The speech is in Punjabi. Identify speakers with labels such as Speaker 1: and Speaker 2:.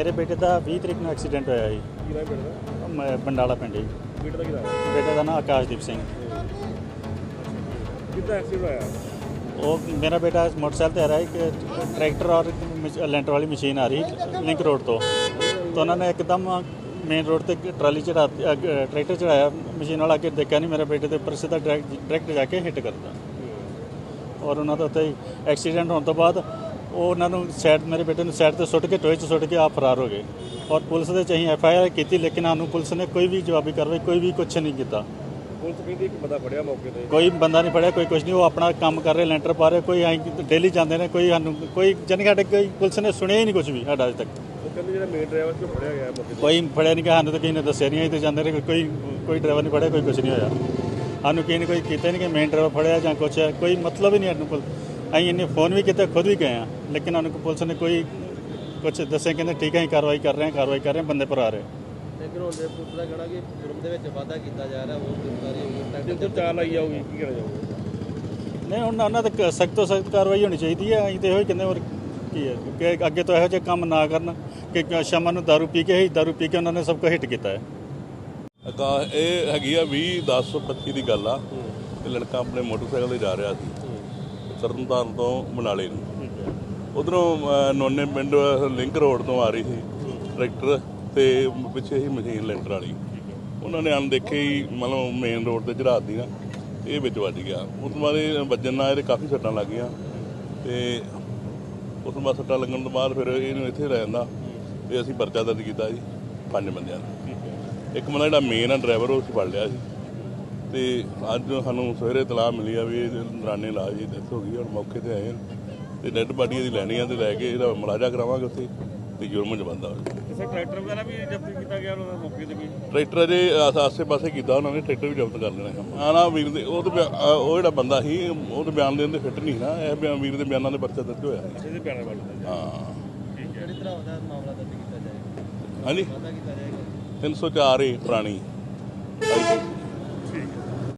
Speaker 1: ਮੇਰੇ ਬੇਟੇ ਦਾ 20 ਤਰੀਕ ਨੂੰ ਐਕਸੀਡੈਂਟ ਹੋਇਆ ਜੀ।
Speaker 2: ਕੀ ਨਾਮ ਬੇਟਾ
Speaker 1: ਬੰਡਾਲਾ ਪਿੰਡ ਜੀ।
Speaker 2: ਬੇਟੇ ਦਾ ਕੀ ਨਾਮ
Speaker 1: ਬੇਟੇ ਦਾ ਨਾਮ ਆਕਾਸ਼ਦੀਪ ਸਿੰਘ।
Speaker 2: ਕਿੱਦਾਂ ਐਕਸੀਡੈਂਟ ਹੋਇਆ?
Speaker 1: ਉਹ ਮੇਰਾ ਬੇਟਾ ਮੋਟਰਸਾਈਕਲ ਤੇ ਆ ਰਿਹਾ ਕਿ ट्रैक्टर और ਲੈਂਟਰ ਵਾਲੀ ਮਸ਼ੀਨ ਆ ਰਹੀ ਲਿੰਕ ਰੋਡ ਤੋਂ, ਤਾਂ ਉਹਨਾਂ ਨੇ ਇੱਕਦਮ ਮੇਨ ਰੋਡ ਤੇ ਟਰਾਲੀ ਚੜਾ ਟਰੈਕਟਰ ਚੜਾਇਆ। ਮਸ਼ੀਨ ਵਾਲਾ ਅੱਗੇ ਦੇਖਿਆ ਨਹੀਂ, ਮੇਰੇ ਬੇਟੇ ਦੇ ਉੱਪਰ ਸਿੱਧਾ ਡਾਇਰੈਕਟ ਜਾ ਕੇ ਹਿੱਟ ਕਰਦਾ ਔਰ ਉਹਨਾਂ ਦਾ ਉੱਥੇ ਹੀ ਐਕਸੀਡੈਂਟ ਹੋਣ ਤੋਂ ਬਾਅਦ ਉਹ ਉਹਨਾਂ ਨੂੰ ਸਾਈਡ ਮੇਰੇ ਬੇਟੇ ਨੂੰ ਸਾਈਡ ਤੇ ਸੁੱਟ ਕੇ ਟੋਏ 'ਚ ਸੁੱਟ ਕੇ ਆਪ ਫਰਾਰ ਹੋ ਗਏ। ਔਰ ਪੁਲਿਸ ਦੇ ਚਾਹੀਂ FIR ਕੀਤੀ, ਲੇਕਿਨ ਸਾਨੂੰ ਪੁਲਿਸ ਨੇ ਕੋਈ ਵੀ ਜਵਾਬੀ ਕਾਰਵਾਈ ਕੋਈ ਵੀ ਕੁਛ ਨਹੀਂ ਕੀਤਾ।
Speaker 2: ਪੁਲਿਸ ਕਹਿੰਦੀ ਇੱਕ ਬੰਦਾ ਫੜਿਆ ਮੌਕੇ ਤੇ,
Speaker 1: ਕੋਈ ਬੰਦਾ ਨਹੀਂ ਫੜਿਆ, ਕੋਈ ਕੁਛ ਨਹੀਂ। ਉਹ ਆਪਣਾ ਕੰਮ ਕਰ ਰਹੇ, ਲੈਂਟਰ ਪਾ ਰਹੇ, ਕੋਈ ਐਂ ਡੇਲੀ ਜਾਂਦੇ ਨੇ, ਕੋਈ ਸਾਨੂੰ ਕੋਈ ਜਾਣੀ ਸਾਡੇ ਕੋਈ ਪੁਲਿਸ ਨੇ ਸੁਣਿਆ ਹੀ ਨਹੀਂ ਕੁਛ ਵੀ ਸਾਡਾ ਅੱਜ ਤੱਕ।
Speaker 2: ਉਹ ਕਹਿੰਦੇ ਜਿਹੜਾ ਮੇਨ ਡਰਾਈਵਰ ਸੀ ਉਹ ਫੜਿਆ ਗਿਆ ਮੌਕੇ ਤੇ।
Speaker 1: ਕੋਈ ਫੜਿਆ ਨਹੀਂ ਗਿਆ, ਸਾਨੂੰ ਤਾਂ ਕਿਸੇ ਨੇ ਦੱਸਿਆ ਨਹੀਂ। ਅਸੀਂ ਤਾਂ ਜਾਂਦੇ ਰਹੇ, ਕੋਈ ਡਰਾਈਵਰ ਨਹੀਂ ਫੜਿਆ, ਕੋਈ ਕੁਛ ਨਹੀਂ ਹੋਇਆ ਸਾਨੂੰ। ਕਿਸੇ ਨੇ ਕੋਈ ਕੀਤਾ ਨਹੀਂ ਕਿ ਮੇਨ ਡਰਾਈਵਰ ਫੜਿਆ ਜਾਂ ਕੁਛ ਹੈ, ਕੋਈ ਮਤਲਬ ਹੀ ਨਹੀਂ ਸਾਨੂੰ ਕੋਲ। ਅਸੀਂ ਇੰਨੇ ਫੋਨ ਵੀ ਕੀਤੇ, ਖੁਦ ਵੀ ਗਏ ਹਾਂ, ਲੇਕਿਨ ਸਾਨੂੰ ਪੁਲਿਸ ਨੇ ਕੋਈ ਕੁਛ ਦੱਸਿਆ। ਕਹਿੰਦੇ ਠੀਕ ਹੈ ਅਸੀਂ ਕਾਰਵਾਈ ਕਰ ਰਹੇ ਹਾਂ, ਬੰਦੇ ਪਰ ਆ ਰਹੇ।
Speaker 3: ਲੇਕਿਨ ਹੁਣ ਦੇ ਪੁਲਿਸ ਦਾ ਕਹਿਣਾ ਕਿ ਜੁਰਮ ਦੇ ਵਿੱਚ ਵਾਧਾ ਕੀਤਾ ਜਾ ਰਿਹਾ, ਉਹ ਗ੍ਰਿਫਤਾਰੀ ਹੋਈ,
Speaker 2: ਜੇ ਕੋਈ ਚਾਲ ਆਈ ਜਾਊਗੀ ਕੀ ਕਹਿਣਾ ਚਾਹੋਗੇ?
Speaker 1: ਨਹੀਂ, ਹੁਣ ਉਹਨਾਂ ਤੇ ਸਖਤ ਤੋਂ ਸਖਤ ਕਾਰਵਾਈ ਹੋਣੀ ਚਾਹੀਦੀ ਹੈ। ਅਸੀਂ ਤਾਂ ਇਹੋ ਹੀ ਕਹਿੰਦੇ ਹੋਰ ਕੀ ਹੈ ਕਿ ਅੱਗੇ ਤੋਂ ਇਹੋ ਜਿਹੇ ਕੰਮ ਨਾ ਕਰਨ ਕਿ ਸ਼ਾਮਾਂ ਨੂੰ ਦਾਰੂ ਪੀ ਕੇ ਉਹਨਾਂ ਨੇ ਸਭ ਕੁਝ ਹਿੱਟ ਕੀਤਾ ਹੈ।
Speaker 4: ਇਹ ਹੈਗੀ ਆ 20/10/25 ਦੀ ਗੱਲ ਆ। ਇਹ ਲੜਕਾ ਆਪਣੇ ਮੋਟਰਸਾਈਕਲ ਤੇ ਜਾ ਰਿਹਾ ਸੀ ਤਰਨਤਾਰਨ ਤੋਂ ਮਨਾਲੇ ਨੂੰ। ਉਧਰੋਂ ਨੋਨੇ ਪਿੰਡ ਲਿੰਕ ਰੋਡ ਤੋਂ ਆ ਰਹੀ ਸੀ ਟਰੈਕਟਰ ਤੇ ਪਿੱਛੇ ਹੀ ਮਸ਼ੀਨ ਲੈਂਟਰ ਵਾਲੀ। ਉਹਨਾਂ ਨੇ ਅਣਦੇਖੇ ਹੀ ਮਤਲਬ ਮੇਨ ਰੋਡ ਤੇ ਚੜ੍ਹਾ ਦਿੱਤੀ ਨਾ, ਇਹ ਵਿੱਚ ਵੱਜ ਗਿਆ। ਉਸ ਤੋਂ ਬਾਅਦ ਇਹ ਵੱਜਣ ਨਾਲ ਇਹਦੇ ਕਾਫੀ ਸੱਟਾਂ ਲੱਗ ਗਈਆਂ ਤੇ ਉਸ ਤੋਂ ਬਾਅਦ ਸੱਟਾਂ ਲੱਗਣ ਤੋਂ ਬਾਅਦ ਫਿਰ ਇਹਨੂੰ ਇੱਥੇ ਲੈ ਜਾਂਦਾ ਤੇ ਅਸੀਂ ਪਰਚਾ ਦਰਜ ਕੀਤਾ ਜੀ 5 ਬੰਦਿਆਂ ਦਾ। ਇੱਕ ਬੰਦਾ ਜਿਹੜਾ ਮੇਨ ਆ ਡਰਾਈਵਰ ਉਹ ਅਸੀਂ ਫੜ ਲਿਆ ਸੀ ਤੇ ਅੱਜ ਸਾਨੂੰ ਸਵੇਰੇ ਇਤਲਾਹ ਮਿਲੀ ਆ ਵੀ ਇਹ ਦੌਰਾਨੇ ਇਲਾਜ ਦੀ ਡੈਥ ਹੋ ਗਈ। ਹੁਣ ਮੌਕੇ ਤੇ ਆਏ ਤੇ ਡੈੱਡ ਬਾਡੀ ਇਹਦੀ ਲੈਣੀ ਆ ਤੇ ਲੈ ਕੇ ਇਹਦਾ ਮੁਲਾਜ਼ਾ ਕਰਾਵਾਂਗੇ ਉੱਥੇ ਤੇ ਜੁਰਮ 'ਚ ਬੰਦਾ
Speaker 2: ਕਿਸੇ ਟਰੈਕਟਰ ਵਗੈਰਾ ਵੀ ਜ਼ਬਤ ਕੀਤਾ ਗਿਆ ਉਹਨਾਂ ਮੌਕੇ ਤੇ ਵੀ?
Speaker 4: ਟਰੈਕਟਰ ਅਜੇ ਆਸੇ ਪਾਸੇ ਕੀਤਾ ਉਹਨਾਂ ਨੇ, ਟਰੈਕਟਰ ਵੀ ਜ਼ਬਤ ਕਰ ਲੈਣਾ। ਆ ਨਾ ਵੀਰ ਦੇ ਉਹ ਜਿਹੜਾ ਬੰਦਾ ਸੀ ਉਹਦੇ ਬਿਆਨ ਦੇਣ ਦੇ ਫਿੱਟ ਨਹੀਂ ਨਾ, ਇਹ ਵੀਰ ਦੇ ਬਿਆਨਾਂ ਦੇ ਪਰਚਾ ਦਰਜ ਹੋਇਆ।
Speaker 2: ਇਹਦੇ ਬਿਆਨਾਂ ਵੱਲ
Speaker 4: ਹਾਂ
Speaker 3: ਕਿਹੜੀ ਤਰ੍ਹਾਂ ਦਾ ਮਾਮਲਾ ਦਰਜ ਕੀਤਾ ਜਾਏਗਾ?
Speaker 4: ਹਾਂਜੀ
Speaker 3: ਵਾਧਾ ਕੀਤਾ ਜਾਏਗਾ
Speaker 4: 304 ਪੁਰਾਣੀ